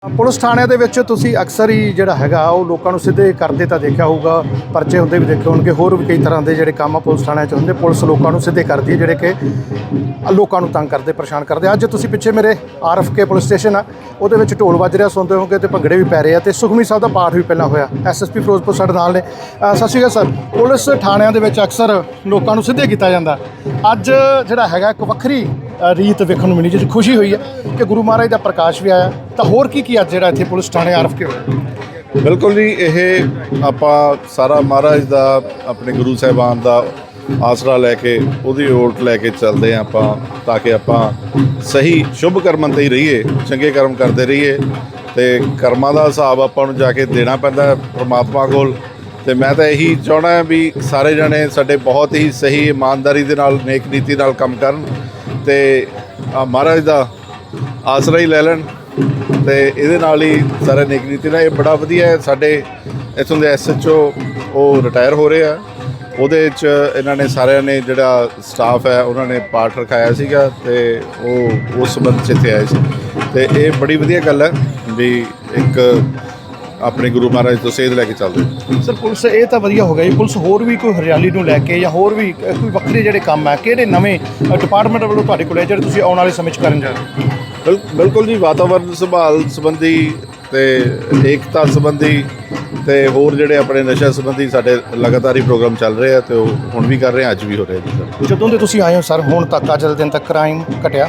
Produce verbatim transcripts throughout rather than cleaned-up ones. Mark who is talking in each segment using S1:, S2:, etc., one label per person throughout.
S1: Police ਥਾਣਿਆਂ ਦੇ ਵਿੱਚ ਤੁਸੀਂ ਅਕਸਰ ਹੀ ਜਿਹੜਾ ਹੈਗਾ ਉਹ ਲੋਕਾਂ ਨੂੰ ਸਿੱਧੇ ਕਰਦੇ ਤਾਂ ਦੇਖਿਆ ਹੋਊਗਾ, ਪਰਚੇ ਹੁੰਦੇ ਵੀ ਦੇਖੇ ਹੋਣਗੇ, ਹੋਰ ਵੀ ਕਈ ਤਰ੍ਹਾਂ ਦੇ ਜਿਹੜੇ ਕੰਮ ਆ ਪੁਲਿਸ ਥਾਣਿਆਂ 'ਚ ਹੁੰਦੇ। ਪੁਲਿਸ ਲੋਕਾਂ ਨੂੰ ਸਿੱਧੇ ਕਰਦੀ ਹੈ ਜਿਹੜੇ ਕਿ ਲੋਕਾਂ ਨੂੰ ਤੰਗ ਕਰਦੇ, ਪਰੇਸ਼ਾਨ ਕਰਦੇ। ਅੱਜ ਤੁਸੀਂ ਪਿੱਛੇ ਮੇਰੇ R F K police station ਆ, ਉਹਦੇ ਵਿੱਚ ਢੋਲ ਵੱਜ ਰਿਹਾ ਸੁਣਦੇ ਹੋਗੇ ਤੇ ਭੰਗੜੇ ਵੀ ਪੈ ਰਹੇ ਆ ਤੇ ਸੁਖਮਨੀ ਸਾਹਿਬ ਦਾ ਪਾਠ ਵੀ ਪਹਿਲਾਂ ਹੋਇਆ। ਐਸ ਐਸ ਪੀ ਫਿਰੋਜ਼ਪੁਰ ਸਾਡੇ ਨਾਲ ਨੇ। ਅ, ਸਤਿ ਸ਼੍ਰੀ ਅਕਾਲ ਸਰ। ਪੁਲਿਸ ਥਾਣਿਆਂ ਦੇ ਵਿੱਚ ਅਕਸਰ ਲੋਕਾਂ ਨੂੰ ਸਿੱਧੇ ਕੀਤਾ ਜਾਂਦਾ। ਅੱਜ ਜਿਹੜਾ ਹੈਗਾ ਇੱਕ ਵੱਖਰੀ ਅ, ਰੀਤ ਵੇਖਣ ਨੂੰ ਮਿਲੀ, ਜਿਸ 'ਚ ਖੁਸ਼ੀ ਹੋਈ ਹੈ ਕਿ ਗੁਰੂ ਮਹਾਰਾਜ ਦਾ ਪ੍ਰਕਾਸ਼ ਵੀ ਆਇਆ। ਤਾਂ ਹੋਰ ਕੀ ਕੀ ਅੱਜ ਜਿਹੜਾ ਇੱਥੇ ਪੁਲਿਸ ਥਾਣੇ ਆਰ ਐਫ ਕੇ ਹੋਇਆ?
S2: ਬਿਲਕੁਲ ਜੀ, ਇਹ ਆਪਾਂ ਸਾਰਾ ਮਹਾਰਾਜ ਦਾ ਆਪਣੇ ਗੁਰੂ ਸਾਹਿਬਾਨ ਦਾ ਆਸਰਾ ਲੈ ਕੇ ਉਹਦੀ ਓਟ ਲੈ ਕੇ ਚੱਲਦੇ ਹਾਂ ਆਪਾਂ, ਤਾਂ ਕਿ ਆਪਾਂ ਸਹੀ ਸ਼ੁਭ ਕਰਮਾਂ 'ਤੇ ਹੀ ਰਹੀਏ, ਚੰਗੇ ਕਰਮ ਕਰਦੇ ਰਹੀਏ। ਅਤੇ ਕਰਮਾਂ ਦਾ ਹਿਸਾਬ ਆਪਾਂ ਨੂੰ ਜਾ ਕੇ ਦੇਣਾ ਪੈਂਦਾ ਪਰਮਾਤਮਾ ਕੋਲ। ਅਤੇ ਮੈਂ ਤਾਂ ਇਹੀ ਚਾਹੁੰਦਾ ਵੀ ਸਾਰੇ ਜਣੇ ਸਾਡੇ ਬਹੁਤ ਹੀ ਸਹੀ ਇਮਾਨਦਾਰੀ ਦੇ ਨਾਲ, ਨੇਕ ਨੀਤੀ ਨਾਲ ਕੰਮ ਕਰਨ ਅਤੇ ਮਹਾਰਾਜ ਦਾ ਆਸਰਾ ਹੀ ਲੈ ਲੈਣ। ਅਤੇ ਇਹਦੇ ਨਾਲ ਹੀ ਸਾਰੇ ਨੇਕ ਨੀਤੀ ਨਾਲ। ਇਹ ਬੜਾ ਵਧੀਆ ਹੈ। ਸਾਡੇ ਇੱਥੋਂ ਦੇ ਐਸ ਐਚ ਓ ਉਹ ਰਿਟਾਇਰ ਹੋ ਰਹੇ ਆ, ਉਹਦੇ 'ਚ ਇਹਨਾਂ ਨੇ ਸਾਰਿਆਂ ਨੇ ਜਿਹੜਾ ਸਟਾਫ ਹੈ ਉਹਨਾਂ ਨੇ ਪਾਠ ਰਖਾਇਆ ਸੀਗਾ ਅਤੇ ਉਹ ਉਸ ਸੰਬੰਧ 'ਚ ਇੱਥੇ ਆਏ ਸੀ। ਅਤੇ ਇਹ ਬੜੀ ਵਧੀਆ ਗੱਲ ਹੈ ਵੀ ਇੱਕ ਆਪਣੇ ਗੁਰੂ ਮਹਾਰਾਜ ਤੋਂ ਸੇਧ ਲੈ ਕੇ ਚੱਲਦੇ।
S1: ਸਰ ਪੁਲਿਸ ਇਹ ਤਾਂ ਵਧੀਆ ਹੋ ਗਿਆ ਜੀ। ਪੁਲਿਸ ਹੋਰ ਵੀ ਕੋਈ ਹਰਿਆਲੀ ਨੂੰ ਲੈ ਕੇ ਜਾਂ ਹੋਰ ਵੀ ਕੋਈ ਵੱਖਰੇ ਜਿਹੜੇ ਕੰਮ ਹੈ, ਕਿਹੜੇ ਨਵੇਂ ਡਿਪਾਰਟਮੈਂਟ ਵੱਲੋਂ ਤੁਹਾਡੇ ਕੋਲ ਹੈ ਜਿਹੜੇ ਤੁਸੀਂ ਆਉਣ ਵਾਲੇ ਸਮੇਂ 'ਚ ਕਰਨ ਜਾ ਰਹੇ ਹੋ?
S2: ਬਿਲ ਬਿਲਕੁਲ ਜੀ, ਵਾਤਾਵਰਨ ਸੰਭਾਲ ਸੰਬੰਧੀ ਅਤੇ ਏਕਤਾ ਸੰਬੰਧੀ ਅਤੇ ਹੋਰ ਜਿਹੜੇ ਆਪਣੇ ਨਸ਼ਾ ਸੰਬੰਧੀ ਸਾਡੇ ਲਗਾਤਾਰ ਹੀ ਪ੍ਰੋਗਰਾਮ ਚੱਲ ਰਹੇ ਆ ਅਤੇ ਉਹ ਹੁਣ ਵੀ ਕਰ ਰਹੇ ਆ, ਅੱਜ ਵੀ ਹੋ ਰਹੇ ਜੀ ਸਰ।
S1: ਜਦੋਂ ਦੇ ਤੁਸੀਂ ਆਏ ਹੋ ਸਰ ਹੁਣ ਤੱਕ, ਅੱਜ ਦੇ ਦਿਨ ਤੱਕ ਕ੍ਰਾਈਮ ਘਟਿਆ?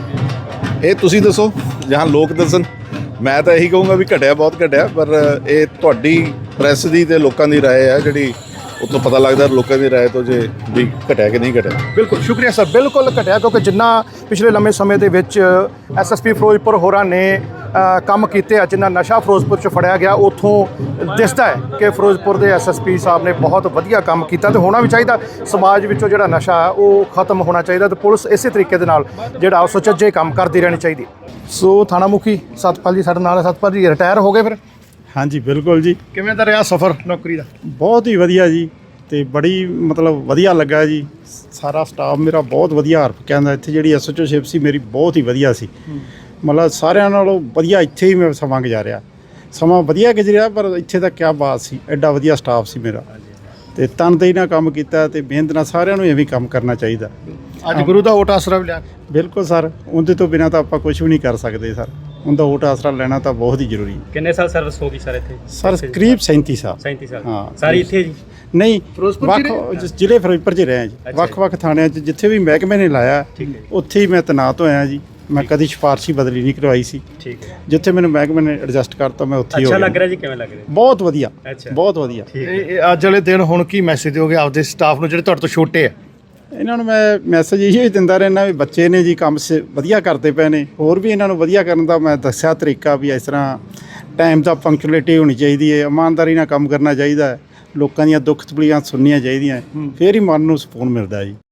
S2: ਇਹ ਤੁਸੀਂ ਦੱਸੋ ਜਾਂ ਲੋਕ ਦੱਸਣ। ਮੈਂ ਤਾਂ ਇਹੀ ਕਹੂੰਗਾ ਵੀ ਘਟਿਆ, ਬਹੁਤ ਘਟਿਆ। ਪਰ ਇਹ ਤੁਹਾਡੀ ਪ੍ਰੈਸ ਦੀ ਅਤੇ ਲੋਕਾਂ ਦੀ ਰਾਏ ਹੈ, ਜਿਹੜੀ ਉੱਥੋਂ ਪਤਾ ਲੱਗਦਾ ਲੋਕਾਂ ਦੀ ਰਾਏ ਤੋਂ, ਜੇ ਵੀ ਘਟਿਆ ਕਿ ਨਹੀਂ ਘਟਿਆ।
S1: ਬਿਲਕੁਲ ਸ਼ੁਕਰੀਆ ਸਰ। ਬਿਲਕੁਲ ਘਟਿਆ, ਕਿਉਂਕਿ ਜਿੰਨਾ ਪਿਛਲੇ ਲੰਮੇ ਸਮੇਂ ਦੇ ਵਿੱਚ ਐਸ ਐਸ ਪੀ ਫਿਰੋਜ਼ਪੁਰ ਹੋਰਾਂ ਨੇ ਅ, ਕੰਮ ਕੀਤੇ ਆ, ਜਿੰਨਾ ਨਸ਼ਾ ਫਿਰੋਜ਼ਪੁਰ 'ਚ ਫੜਿਆ ਗਿਆ, ਉੱਥੋਂ ਦਿਸਦਾ ਹੈ ਕਿ ਫਿਰੋਜ਼ਪੁਰ ਦੇ ਐਸ ਐਸ ਪੀ ਸਾਹਿਬ ਨੇ ਬਹੁਤ ਵਧੀਆ ਕੰਮ ਕੀਤਾ ਅਤੇ ਹੋਣਾ ਵੀ ਚਾਹੀਦਾ। ਸਮਾਜ ਵਿੱਚੋਂ ਜਿਹੜਾ ਨਸ਼ਾ ਉਹ ਖਤਮ ਹੋਣਾ ਚਾਹੀਦਾ ਅਤੇ ਪੁਲਿਸ ਇਸੇ ਤਰੀਕੇ ਦੇ ਨਾਲ ਜਿਹੜਾ ਉਹ ਸੁਚੱਜੇ ਕੰਮ ਕਰਦੀ ਰਹਿਣੀ ਚਾਹੀਦੀ। ਸੋ ਥਾਣਾ ਮੁਖੀ ਸਤਪਾਲ ਜੀ ਸਾਡੇ ਨਾਲ ਹੈ। ਸਤਪਾਲ ਜੀ ਰਿਟਾਇਰ ਹੋ ਗਏ ਫਿਰ?
S3: ਹਾਂਜੀ ਬਿਲਕੁਲ ਜੀ।
S1: ਕਿਵੇਂ ਦਾ ਰਿਹਾ ਸਫ਼ਰ ਨੌਕਰੀ ਦਾ?
S3: ਬਹੁਤ ਹੀ ਵਧੀਆ ਜੀ, ਅਤੇ ਬੜੀ ਮਤਲਬ ਵਧੀਆ ਲੱਗਾ ਜੀ। ਸਾਰਾ ਸਟਾਫ ਮੇਰਾ ਬਹੁਤ ਵਧੀਆ ਹਰਪ ਕਹਿੰਦਾ। ਇੱਥੇ ਜਿਹੜੀ ਐਸ ਐਚ ਓ ਸ਼ਿਪ ਸੀ ਮੇਰੀ ਬਹੁਤ ਹੀ ਵਧੀਆ ਸੀ। ਮਤਲਬ ਸਾਰਿਆਂ ਨਾਲੋਂ ਵਧੀਆ ਇੱਥੇ ਹੀ ਮੈਂ ਸਮਾਂ ਗੁਜ਼ਾਰਿਆ। ਸਮਾਂ ਵਧੀਆ ਗੁਜ਼ਰਿਆ, ਪਰ ਇੱਥੇ ਤਾਂ ਕਿਆ ਬਾਤ ਸੀ, ਐਡਾ ਵਧੀਆ ਸਟਾਫ ਸੀ ਮੇਰਾ ਅਤੇ ਤਨਦੇਹੀ ਨਾਲ ਕੰਮ ਕੀਤਾ ਅਤੇ ਮਿਹਨਤ ਨਾਲ। ਸਾਰਿਆਂ ਨੂੰ ਐਵੇਂ ਕੰਮ ਕਰਨਾ ਚਾਹੀਦਾ।
S1: ਅੱਜ ਗੁਰੂ ਦਾ ਓਟ ਆਸਰਾ ਵੀ ਲਿਆ?
S3: ਬਿਲਕੁਲ ਸਰ, ਉਹਦੇ ਤੋਂ ਬਿਨਾਂ ਤਾਂ ਆਪਾਂ ਕੁਝ ਵੀ ਨਹੀਂ ਕਰ ਸਕਦੇ ਸਰ। ਉਹਦਾ ਓਟ ਆਸਰਾ ਲੈਣਾ ਤਾਂ ਬਹੁਤ ਹੀ ਜ਼ਰੂਰੀ ਹੈ।
S4: ਕਿੰਨੇ ਸਾਲ ਸਰਵਿਸ ਹੋ ਗਈ ਸਰ ਇੱਥੇ?
S3: ਸਰ ਕਰੀਬ ਸੈਂਤੀ ਸਾਲ।
S4: ਸੈਂਤੀ ਸਾਲ
S3: ਹਾਂ
S4: ਸਾਰੀ ਇੱਥੇ ਜੀ?
S3: ਨਹੀਂ,
S1: ਫਿਰੋਜ਼ਪੁਰ
S3: ਵੱਖ
S1: ਜ਼ਿਲ੍ਹੇ?
S3: ਜ਼ਿਲ੍ਹੇ ਫਿਰੋਜ਼ਪੁਰ 'ਚ ਰਿਹਾ ਜੀ। ਵੱਖ ਵੱਖ ਥਾਣਿਆਂ 'ਚ ਜਿੱਥੇ ਵੀ ਮਹਿਕਮੇ ਨੇ ਲਾਇਆ ਉੱਥੇ ਹੀ ਮੈਂ ਤੈਨਾਤ ਹੋਇਆ ਜੀ। ਮੈਂ ਕਦੀ ਸਿਫਾਰਸ਼ੀ ਬਦਲੀ ਨਹੀਂ ਕਰਵਾਈ ਸੀ।
S4: ਠੀਕ ਹੈ।
S3: ਜਿੱਥੇ ਮੈਨੂੰ ਮਹਿਕਮੇ ਨੇ ਐਡਜਸਟ ਕਰਤਾ ਮੈਂ ਉੱਥੇ ਹੀ ਹੋ
S4: ਅੱਛਾ
S3: ਗਿਆ।
S4: ਲੱਗ ਰਿਹਾ ਜੀ? ਕਿਵੇਂ ਲੱਗ ਰਿਹਾ?
S3: ਬਹੁਤ ਵਧੀਆ,
S4: ਅੱਛਾ।
S3: ਬਹੁਤ ਵਧੀਆ।
S4: ਠੀਕ ਹੈ।
S1: ਇਹ ਅੱਜ ਵਾਲੇ ਦਿਨ ਹੁਣ ਕੀ ਮੈਸੇਜ ਦਿਓਗੇ ਆਪਦੇ ਸਟਾਫ ਨੂੰ ਜਿਹੜੇ ਤੁਹਾਡੇ ਤੋਂ ਛੋਟੇ ਆ?
S3: ਇਹਨਾਂ ਨੂੰ ਮੈਂ ਮੈਸੇਜ ਇਹੀ ਦਿੰਦਾ ਰਹਿਣਾ ਵੀ ਬੱਚੇ ਨੇ ਜੀ, ਕੰਮ ਸ ਵਧੀਆ ਕਰਦੇ ਪਏ ਨੇ। ਹੋਰ ਵੀ ਇਹਨਾਂ ਨੂੰ ਵਧੀਆ ਕਰਨ ਦਾ ਮੈਂ ਦੱਸਿਆ ਤਰੀਕਾ ਵੀ ਇਸ ਤਰ੍ਹਾਂ ਟਾਈਮ ਦਾ ਪੰਕਚੁਅਲਿਟੀ ਹੋਣੀ ਚਾਹੀਦੀ ਹੈ, ਇਮਾਨਦਾਰੀ ਨਾਲ ਕੰਮ ਕਰਨਾ ਚਾਹੀਦਾ ਹੈ, ਲੋਕਾਂ ਦੀਆਂ ਦੁੱਖ ਤਕਲੀਫਾਂ ਸੁਣਨੀਆਂ ਚਾਹੀਦੀਆਂ, ਫਿਰ ਹੀ ਮਨ ਨੂੰ ਸਕੂਨ ਮਿਲਦਾ ਜੀ।